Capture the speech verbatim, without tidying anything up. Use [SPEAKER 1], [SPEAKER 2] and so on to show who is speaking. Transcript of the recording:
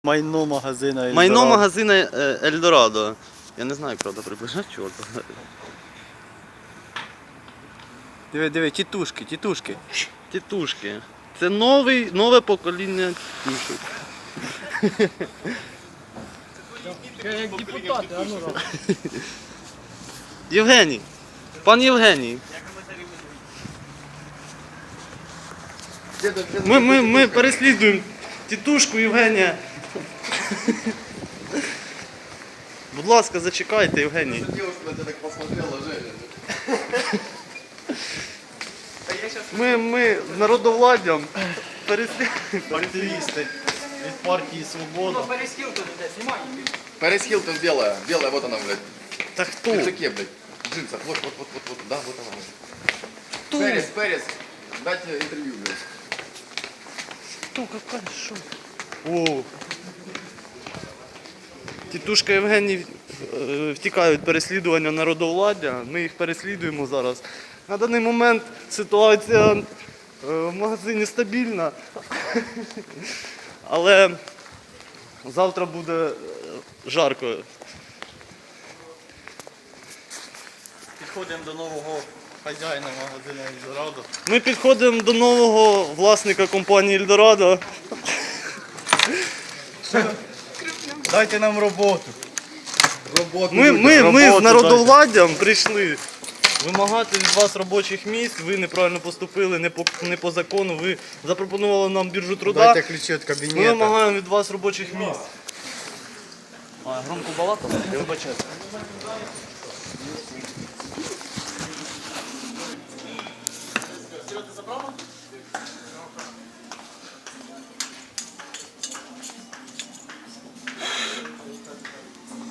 [SPEAKER 1] Майно магазина Ельдорадо.
[SPEAKER 2] Майно магазина е, Ельдорадо. Я не знаю, правда, приближати чорта.
[SPEAKER 1] Диви, диви, тітушки, тітушки.
[SPEAKER 2] Тітушки. Це новий, нове покоління тітушок.
[SPEAKER 3] Як депутати, а ну.
[SPEAKER 2] Євгеній. Пан Євгеній. Ми, ми, ми переслідуємо тітушку Євгенія. Будь ласка, зачекайте, Євгеній.
[SPEAKER 4] Девушка на тебя так посмотрела, Женя.
[SPEAKER 2] Ми, ми з народовладдям переслідуємо.
[SPEAKER 1] Активісти від партії Свобода.
[SPEAKER 3] Перес Хілтон іде, знімай.
[SPEAKER 4] Пэрис Хилтон белая. Белая, вот она, блядь.
[SPEAKER 2] Та
[SPEAKER 4] В
[SPEAKER 2] хто?
[SPEAKER 4] пиджаке, блядь. В джинсах. Вот, вот, вот, вот, вот. Да, вот она.
[SPEAKER 2] Хто?
[SPEAKER 4] Пэрис, Пэрис. Дать интервью, блядь.
[SPEAKER 2] Хто, какая, що? О. Тітушка Євгеній е, втікає від переслідування народовладдя. Ми їх переслідуємо зараз. На даний момент ситуація е, в магазині стабільна. Але завтра буде е, жарко.
[SPEAKER 1] Підходимо до нового хазяїна магазину Ельдорадо.
[SPEAKER 2] Ми підходимо до нового власника компанії Ельдорадо.
[SPEAKER 1] Дайте нам роботу.
[SPEAKER 4] Работу.
[SPEAKER 2] Ми, ми, ми з
[SPEAKER 1] роботу
[SPEAKER 2] народовладдям прийшли вимагати від вас робочих місць. Ви неправильно поступили, не по, не по закону. Ви запропонували нам біржу труда.
[SPEAKER 1] Дайте ключі від
[SPEAKER 2] Ми
[SPEAKER 1] кабінету.
[SPEAKER 2] вимагаємо від вас робочих місць. А, громко балакав? Я вибачаю.